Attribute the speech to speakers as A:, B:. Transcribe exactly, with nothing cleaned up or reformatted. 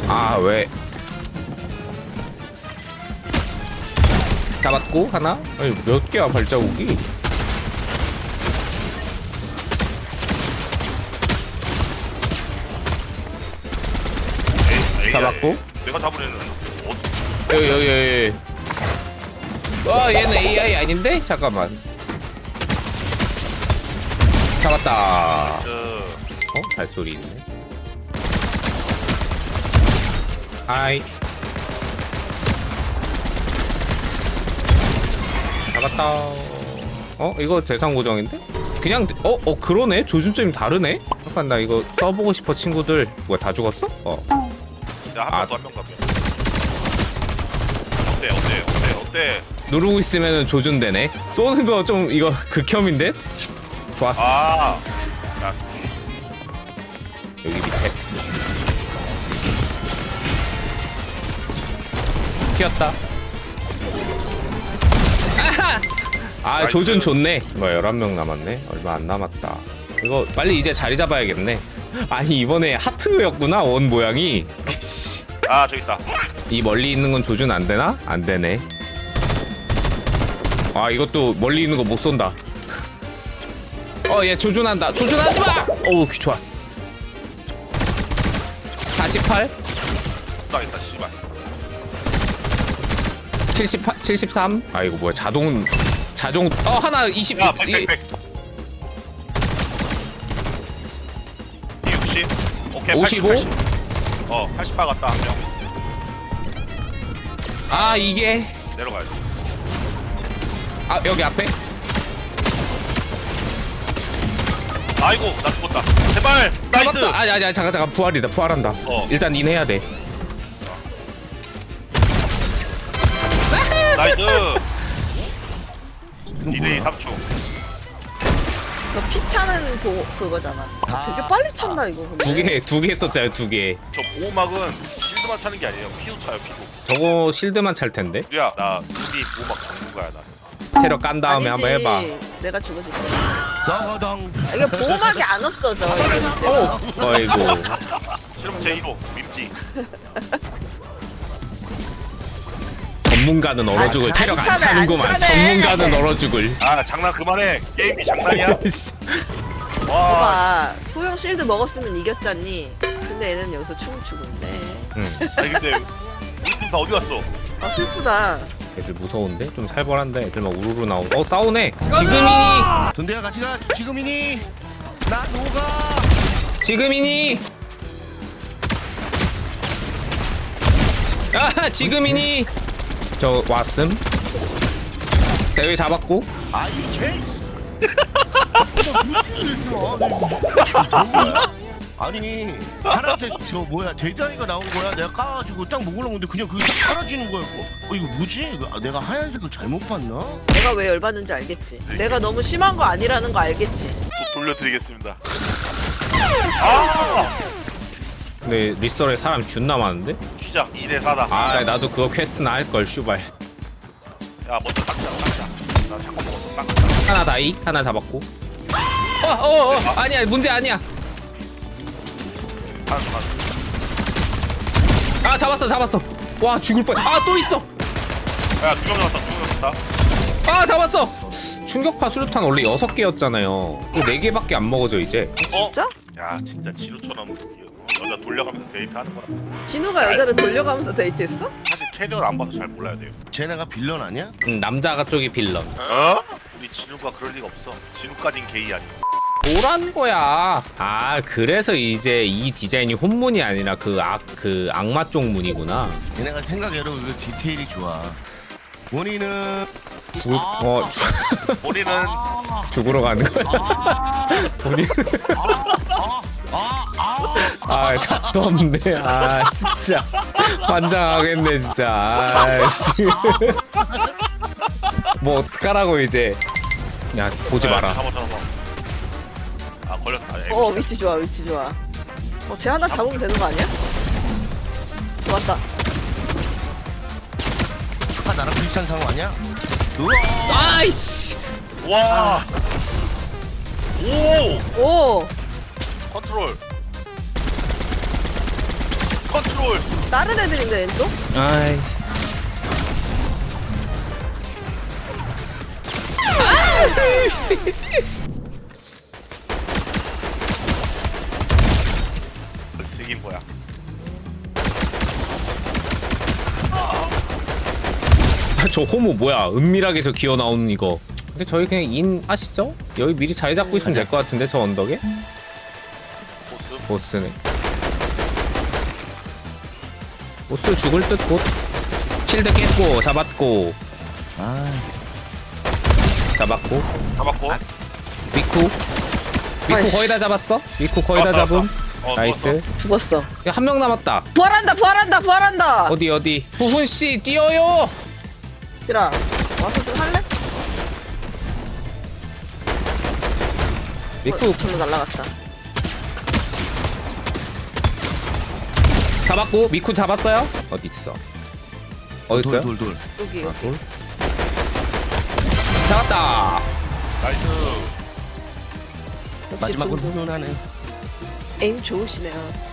A: 아 왜? 잡았고 하나? 아니 몇 개야 발자국이?
B: 에이,
A: 잡았고.
B: 에이, 내가 잡으려는 어,
A: 여기 여기 여기. 와 얘는 에이아이 아닌데? 잠깐만. 잡았다.
B: 그
A: 어? 발소리 있네. 하이. 잡았다. 어? 이거 대상 고정인데? 그냥 어? 어 그러네? 조준점이 다르네? 잠깐 나 이거 써보고 싶어 친구들. 뭐야 다 죽었어? 어.
B: 야, 한
A: 아.
B: 명 더, 한 명 더. 어때, 어때, 어때, 어때?
A: 누르고 있으면 조준되네. 쏘는 거 좀 이거 극혐인데? 좋았어.
B: 아, 야,
A: 여기 밑에. 튀었다. 아하! 아 조준 좋네. 뭐 열한 명 남았네. 얼마 안 남았다. 이거 빨리 이제 자리 잡아야겠네. 아니 이번에 하트였구나 원 모양이.
B: 아, 저기 있다.
A: 이 멀리 있는 건 조준 안 되나? 안 되네. 아 이것도 멀리 있는 거 못 쏜다. 어 얘 조준한다. 조준하지 마. 오 좋았어. 사십팔,
B: 나 있다, 씨발.
A: 칠십팔, 칠십삼. 아 이거 뭐야 자동 자동 어 하나 이십.
B: 야, 백, 백, 백. 육십. 오케이,
A: 오십오?
B: 팔십, 팔십. 어, 팔십팔 갔다 한 명.
A: 아 이게
B: 내려가야지.
A: 아 여기 앞에
B: 아이고, 나 죽었다. 제발, 나이스.
A: 잡았다. 아니 아니 잠깐 잠깐 부활이다. 부활한다.
B: 어.
A: 일단 인 해야 돼.
B: 나이스. 디데이 삼 초.
C: 너 피 차는 고, 그거잖아. 되게 빨리 찬다 이거. 근데.
A: 두 개 두 개 썼잖아요 두 개.
B: 저 보호막은 실드만 차는 게 아니에요. 피도 차요, 피도.
A: 저거 실드만 찰 텐데.
B: 야, 나 이미 보호막 전문가야, 나.
A: 체력 깐 다음에
C: 아니지,
A: 한번 해봐.
C: 내가 죽어줄게.
D: 저거당.
C: 아, 이게 보호막이 안 없어져.
A: 어 어이구.
B: 실험 제일 호 민지.
A: 전문가는 얼어 죽을.
C: 안
A: 체력 안
C: 차네,
A: 차는구만.
C: 안 차네.
A: 전문가는 얼어 죽을.
B: 아, 장난 그만해. 게임이 장난이야? 와,
C: 봐봐, 소형 실드 먹었으면 이겼잖니. 근데 얘는 여기서 춤을 추고 있네.
A: 응.
B: 아니 근데 우리 팀 다 어디 갔어?
C: 아 슬프다.
A: 애들 무서운데? 좀 살벌한데? 애들 막 우르르 나오고. 어 싸우네. 지금이니.
D: 돈대야 같이 가. 지금이니. 나 녹아.
A: 지금이니. 아 지금이니. 저 왔음. 대회 잡았고.
D: 아이 제이스. 아니 파란색 저 뭐야 대단이가 나온 거야. 내가 까가지고 딱 먹으려고 했는데 그냥 그게 딱 사라지는 거야. 어 이거 뭐지? 이거, 아, 내가 하얀색을 잘못 봤나?
C: 내가 왜 열받는지 알겠지. 내가 너무 심한 거 아니라는 거 알겠지.
B: 또 돌려드리겠습니다. 아,
A: 근데 리썰에 사람 존나 많은데?
B: 퀴자 이 대 사다.
A: 아 나도 그거 퀘스트나 할걸 슈발.
B: 야, 먼저 닦자, 닦자. 나 잠깐 먹었어, 닦자.
A: 하나 다이 하나 잡았고. 어어어 어, 어. 아니야 문제 아니야.
B: 하나, 하나.
A: 아 잡았어 잡았어. 와 죽을 뻔. 아 또 있어.
B: 야, 두 명 잡았다, 두 명 잡았다.
A: 아 잡았어. 충격파 수류탄 원래 여섯 개였잖아요. 네 개밖에 안 먹어져 이제.
B: 어?
C: 진짜?
B: 야, 진짜 진우처럼 여자 돌려가면서 데이트하는 거라.
C: 진우가 여자를 돌려가면서 데이트했어?
B: 사실 캐리어를 안 봐서 잘 몰라야 돼요.
D: 쟤네가 빌런 아니야?
A: 음, 남자가 쪽이 빌런.
B: 어? 우리 진우가 그럴 리가 없어. 진우까진 게이 아니야.
A: 뭐란 거야? 아 그래서 이제 이 디자인이 혼문이 아니라 그 악 그 악마 쪽 문이구나.
D: 얘네가 생각외로 이거 디테일이 좋아. 본인은
A: 죽을 어 죽,
B: 본인은
A: 죽으러 가는 거야. 본인 아 답도 없네. 아 진짜 환장하겠네 진짜. 아씨 뭐 어떡하라고 이제. 야 보지 마라.
B: 잡아, 잡아. 아, 걸렸다. 에이,
C: 어 위치 좋아 위치 좋아. 어쟤 하나 잡으면 되는 거 아니야? 좋았다.
D: 아까 나랑 비슷한 상황 아니야? 우와.
A: 아이씨.
B: 와. 오!
C: 오
B: 컨트롤. 컨트롤.
C: 다른 애들인데 또?
A: 아이. 아이씨.
B: 이긴 거야.
A: 아, 저 호모 뭐야? 은밀하게서 기어 나오는 이거. 근데 저희 그냥 인 하시죠? 여기 미리 자리 잡고 있으면 될 것 같은데 저 언덕에?
B: 보스.
A: 보스네. 보스 죽을 듯 곧. 실드 깼고 잡았고
D: 아
A: 잡았고
B: 잡았고.
A: 미쿠. 미쿠
C: 아이씨.
A: 거의 다 잡았어? 미쿠 거의 다 잡음.
B: 어,
A: 나이스.
C: 죽었어.
A: 한 명 남았다.
C: 부활한다 부활한다 부활한다.
A: 어디 어디? 후훈 씨 뛰어요.
C: 얘들아 와서 좀 할래?
A: 미쿠
C: 어, 절로 날라갔다.
A: 잡았고 미쿠 잡았어요? 어디 있어? 어디 있어요?
D: 돌돌돌
C: 여기
A: 아, 돌. 잡았다.
B: 나이스.
C: 역시
D: 마지막으로
C: 좀
D: 훈훈하네.
C: 에임 좋으시네요.